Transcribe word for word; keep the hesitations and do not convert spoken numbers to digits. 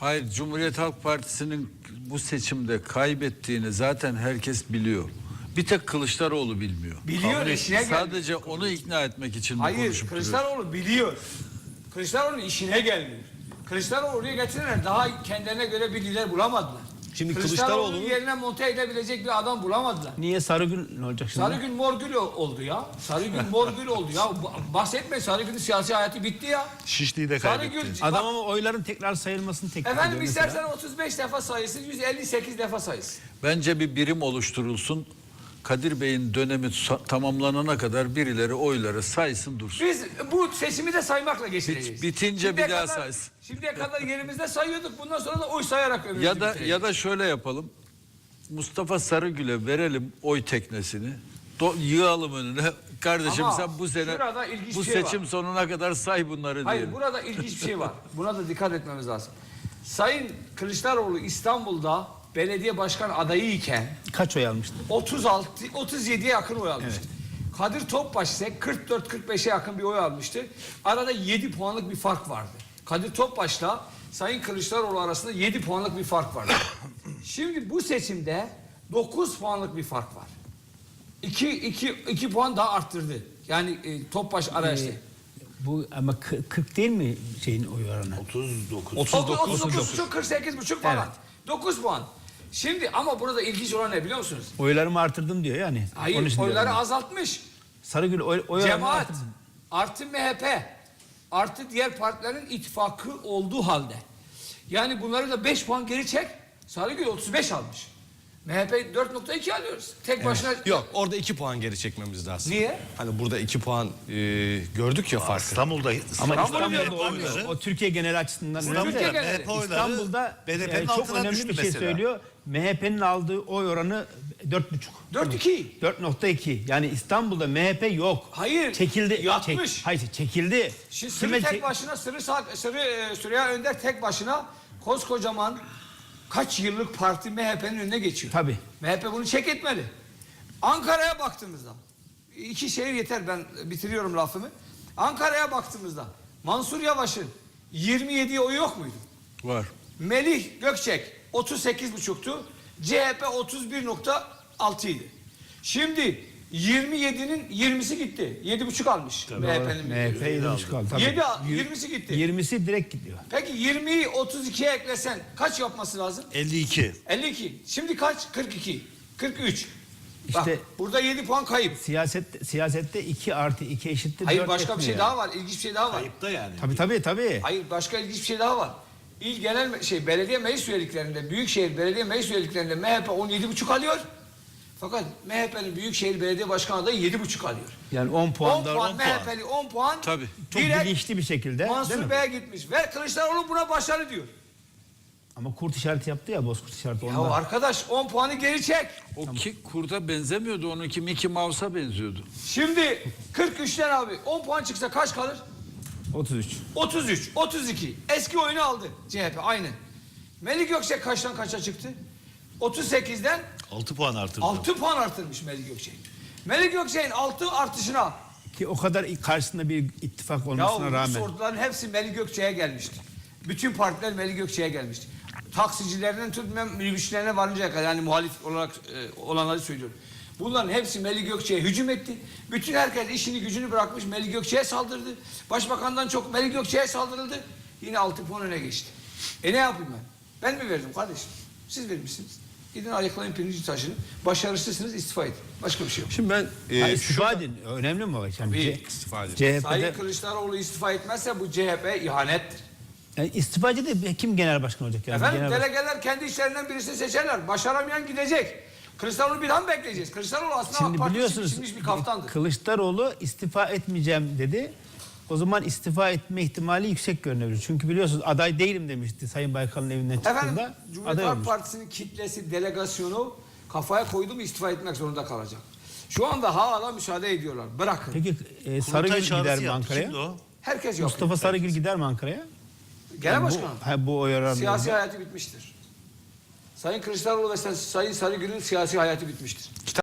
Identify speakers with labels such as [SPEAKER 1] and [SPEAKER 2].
[SPEAKER 1] Hayır, Cumhuriyet Halk Partisi'nin bu seçimde kaybettiğini zaten herkes biliyor. Bir tek Kılıçdaroğlu bilmiyor.
[SPEAKER 2] Biliyor,
[SPEAKER 1] Kabul
[SPEAKER 2] işine
[SPEAKER 1] etmiyor.
[SPEAKER 2] gelmiyor.
[SPEAKER 1] Sadece onu ikna etmek için mi
[SPEAKER 2] Hayır,
[SPEAKER 1] konuşup duruyor?
[SPEAKER 2] Kılıçdaroğlu biliyor. Kılıçdaroğlu'nun işine gelmiyor. Kılıçdaroğlu'yu getirenler daha kendilerine göre bir lider bulamadılar.
[SPEAKER 3] Şimdi
[SPEAKER 2] Kılıçdaroğlu'nun
[SPEAKER 3] Kılıçdaroğlu'nun
[SPEAKER 2] yerine monte edebilecek bir adam bulamadılar.
[SPEAKER 4] Niye Sarıgül ne olacak şimdi?
[SPEAKER 2] Sarıgül Morgül oldu ya. Sarıgül Morgül oldu ya. Bahsetme, Sarıgül'ün siyasi hayatı bitti ya.
[SPEAKER 3] Şişli'yi de kaybetti.
[SPEAKER 2] Sarıgül,
[SPEAKER 4] Adam ama oyların tekrar sayılmasını teklif ediyor
[SPEAKER 2] efendim
[SPEAKER 4] mesela.
[SPEAKER 2] istersen otuz beş defa sayısın, yüz elli sekiz defa sayısın.
[SPEAKER 1] Bence bir birim oluşturulsun. Kadir Bey'in dönemi tamamlanana kadar birileri oyları saysın dursun.
[SPEAKER 2] Biz bu seçimi de saymakla geçireceğiz.
[SPEAKER 1] Bitince
[SPEAKER 2] Şimdiye
[SPEAKER 1] bir daha
[SPEAKER 2] kadar-
[SPEAKER 1] saysın.
[SPEAKER 2] Şimdiye kadar yerimizde sayıyorduk. Bundan sonra da oy sayarak ömrümüzü
[SPEAKER 1] Ya da
[SPEAKER 2] bitireceğiz.
[SPEAKER 1] ya da şöyle yapalım. Mustafa Sarıgül'e verelim oy teknesini. Do yığalım önüne. Kardeşim
[SPEAKER 2] Ama
[SPEAKER 1] sen bu sene
[SPEAKER 2] şurada ilginç
[SPEAKER 1] bu
[SPEAKER 2] bir şey
[SPEAKER 1] seçim
[SPEAKER 2] var.
[SPEAKER 1] sonuna kadar say bunları
[SPEAKER 2] Hayır,
[SPEAKER 1] diyelim.
[SPEAKER 2] burada ilginç bir şey var. Buna da dikkat etmemiz lazım. Sayın Kılıçdaroğlu İstanbul'da belediye başkan adayı iken
[SPEAKER 4] Kaç oy almıştı?
[SPEAKER 2] otuz altı otuz yediye yakın oy almıştı. Kadir Topbaş ise kırk dört kırk beşe yakın bir oy almıştı. Arada yedi puanlık bir fark vardı. Kadir Topbaş'la Sayın Kılıçdaroğlu arasında yedi puanlık bir fark vardı. Şimdi bu seçimde dokuz puanlık bir fark var. iki iki iki puan daha arttırdı. Yani e, Topbaş araçtı.
[SPEAKER 4] Ee, bu ama kı- kırk değil mi şeyin oy oranı?
[SPEAKER 3] otuz dokuz.
[SPEAKER 2] otuz dokuz buçuk kırk sekiz buçuk falan.
[SPEAKER 4] Evet.
[SPEAKER 2] dokuz puan. Şimdi ama burada ilginç olan ne biliyor musunuz?
[SPEAKER 4] Oylarımı artırdım diyor yani. Onun
[SPEAKER 2] Hayır,
[SPEAKER 4] için
[SPEAKER 2] oyları
[SPEAKER 4] diyorum.
[SPEAKER 2] azaltmış.
[SPEAKER 4] Sarıgül oy, oy oranını
[SPEAKER 2] Cemaat
[SPEAKER 4] artırdım.
[SPEAKER 2] artı M H P artı diğer partilerin ittifakı olduğu halde. Yani bunları da beş puan geri çek. Sarıgül otuz beş almış. M H P dört nokta iki alıyoruz. Tek başına.
[SPEAKER 3] Yok, orada iki puan geri çekmemiz lazım.
[SPEAKER 2] Niye?
[SPEAKER 3] Hani burada iki puan e, gördük ya farkı.
[SPEAKER 5] İstanbul'da
[SPEAKER 4] Ama
[SPEAKER 2] İstanbul'da
[SPEAKER 4] İstanbul'da olmuyor.
[SPEAKER 5] oyları-
[SPEAKER 4] O Türkiye genel açısından
[SPEAKER 2] İstanbul'da
[SPEAKER 4] önemli.
[SPEAKER 2] genel-
[SPEAKER 5] M H P oyları
[SPEAKER 4] İstanbul'da
[SPEAKER 5] B D P'nin
[SPEAKER 4] yani çok
[SPEAKER 5] altına
[SPEAKER 4] önemli
[SPEAKER 5] düştü
[SPEAKER 4] bir şey
[SPEAKER 5] mesela.
[SPEAKER 4] söylüyor. M H P'nin aldığı oy oranı dört buçuk.
[SPEAKER 2] dört iki.
[SPEAKER 4] dört nokta iki. Yani İstanbul'da M H P yok.
[SPEAKER 2] Hayır,
[SPEAKER 4] Çekildi.
[SPEAKER 2] yatmış.
[SPEAKER 4] Çek, hayır çekildi.
[SPEAKER 2] Şimdi Sırrı
[SPEAKER 4] Kime
[SPEAKER 2] tek
[SPEAKER 4] çek-
[SPEAKER 2] başına, Sırrı, Sa- Sırrı e, Süreyya Önder tek başına koskocaman kaç yıllık parti M H P'nin önüne geçiyor.
[SPEAKER 4] Tabii.
[SPEAKER 2] M H P bunu çek etmedi. Ankara'ya baktığımızda, iki şehir yeter, ben bitiriyorum lafımı. Ankara'ya baktığımızda Mansur Yavaş'ın yirmi yediye oyu yok muydu?
[SPEAKER 1] Var.
[SPEAKER 2] Melih Gökçek otuz sekiz buçuktu. C H P otuz bir nokta altı idi. Şimdi yirmi yedinin yirmisi gitti. yedi buçuk almış M H P'nin.
[SPEAKER 4] M H P yedi buçuk aldı. Tabii.
[SPEAKER 2] Yedi,
[SPEAKER 4] Yir-
[SPEAKER 2] yirmisi gitti.
[SPEAKER 4] yirmisi direkt gidiyor.
[SPEAKER 2] Peki yirmiyi otuz ikiye eklesen kaç yapması lazım?
[SPEAKER 5] elli iki.
[SPEAKER 2] elli iki. Şimdi kaç? kırk iki. kırk üç. Bak,
[SPEAKER 4] İşte-
[SPEAKER 2] burada yedi puan kayıp.
[SPEAKER 4] Siyaset siyasette iki artı iki eşittir
[SPEAKER 2] Hayır,
[SPEAKER 4] dört
[SPEAKER 2] başka bir
[SPEAKER 4] etmiyor
[SPEAKER 2] şey
[SPEAKER 4] yani.
[SPEAKER 2] daha var. İlginç bir şey daha var.
[SPEAKER 5] Ayıpta yani.
[SPEAKER 4] Tabii tabii tabii.
[SPEAKER 2] Hayır, başka ilginç bir şey daha var. İl genel şey belediye meclis üyeliklerinde, büyükşehir belediye meclis üyeliklerinde M H P on yedi buçuk alıyor. Fakat M H P'nin büyükşehir belediye başkanı adayı yedi buçuk alıyor.
[SPEAKER 4] Yani on
[SPEAKER 2] on
[SPEAKER 4] puan da
[SPEAKER 2] puan,
[SPEAKER 4] on
[SPEAKER 2] M H P'li on puan.
[SPEAKER 1] Tabii.
[SPEAKER 4] çok
[SPEAKER 2] direkt
[SPEAKER 4] bilinçli bir şekilde. değil
[SPEAKER 2] Mansur
[SPEAKER 4] mi?
[SPEAKER 2] Bey'e gitmiş. Ve Kılıçdaroğlu buna başarı diyor.
[SPEAKER 4] Ama kurt işareti yaptı ya, bozkurt işareti
[SPEAKER 2] Ya
[SPEAKER 4] ondan.
[SPEAKER 2] arkadaş, on puanı geri çek.
[SPEAKER 1] O ki kurda benzemiyordu. Onunki Mickey Mouse'a benziyordu.
[SPEAKER 2] Şimdi kırk üçten abi on puan çıksa kaç kalır?
[SPEAKER 4] otuz üç.
[SPEAKER 2] otuz üç, otuz iki. Eski oyunu aldı C H P aynı. Melih Gökçek kaçtan kaça çıktı? otuz sekizden
[SPEAKER 5] altı puan artırdı.
[SPEAKER 2] altı puan artırmış Melih Gökçek. Melih Gökçek'in altı artışına
[SPEAKER 4] Ki o kadar karşısında bir ittifak
[SPEAKER 2] ya
[SPEAKER 4] olmasına
[SPEAKER 2] bu
[SPEAKER 4] rağmen.
[SPEAKER 2] orduların hepsi Melih Gökçek'e gelmişti. Bütün partiler Melih Gökçek'e gelmişti. Taksicilerinden tutmayan minibüsçülerine varıncaya kadar, yani muhalif olarak e, olanları söylüyorum. Bunların hepsi Melih Gökçek'e hücum etti. Bütün herkes işini gücünü bırakmış, Melih Gökçek'e saldırdı. Başbakandan çok Melih Gökçek'e saldırıldı. Yine altı puan öne geçti. E ne yapayım ben? Ben mi verdim kardeşim? Siz vermişsiniz. Gidin ayaklayın pirinci taşını. Başarısızsınız, istifa edin. Başka bir şey yok.
[SPEAKER 3] Şimdi ben e,
[SPEAKER 4] Ha,
[SPEAKER 3] şu
[SPEAKER 4] istifa edin. Önemli mi o? Yani
[SPEAKER 2] Tabii,
[SPEAKER 4] C-
[SPEAKER 3] istifa edin.
[SPEAKER 4] C H P'de
[SPEAKER 2] Sayın Kılıçdaroğlu istifa etmezse bu C H P ihanettir.
[SPEAKER 4] yani istifacı da kim genel başkan olacak? Yani
[SPEAKER 2] Efendim,
[SPEAKER 4] genel baş-
[SPEAKER 2] delegeler kendi işlerinden birisini seçerler. Başaramayan gidecek. Kılıçdaroğlu bir daha mı bekleyeceğiz? Kılıçdaroğlu aslında AK
[SPEAKER 4] Şimdi
[SPEAKER 2] Parti için
[SPEAKER 4] biliyorsunuz
[SPEAKER 2] biçilmiş bir kaftandır.
[SPEAKER 4] Kılıçdaroğlu istifa etmeyeceğim dedi. O zaman istifa etme ihtimali yüksek görünüyor. Çünkü biliyorsunuz aday değilim demişti Sayın Baykal'ın evinden
[SPEAKER 2] Efendim,
[SPEAKER 4] çıktığında.
[SPEAKER 2] Cumhuriyet
[SPEAKER 4] Aday
[SPEAKER 2] Halk
[SPEAKER 4] olmuş.
[SPEAKER 2] Partisi'nin kitlesi, delegasyonu kafaya koydu mu istifa etmek zorunda kalacak. Şu anda hala müsaade ediyorlar. Bırakın.
[SPEAKER 4] Peki e,
[SPEAKER 5] Kurultay
[SPEAKER 4] Sarıgül
[SPEAKER 5] çağrısı
[SPEAKER 4] gider mi
[SPEAKER 5] yaptı.
[SPEAKER 4] Ankara'ya?
[SPEAKER 5] Kimdi o?
[SPEAKER 2] Herkes yok.
[SPEAKER 4] Mustafa Sarıgül gider mi Ankara'ya?
[SPEAKER 2] Genel
[SPEAKER 4] Yani
[SPEAKER 2] başkan.
[SPEAKER 4] Bu, ha, bu oy oranı.
[SPEAKER 2] Siyasi hayatı bitmiştir. Sayın Kılıçdaroğlu ve Sayın Sarıgül'ün siyasi hayatı bitmiştir.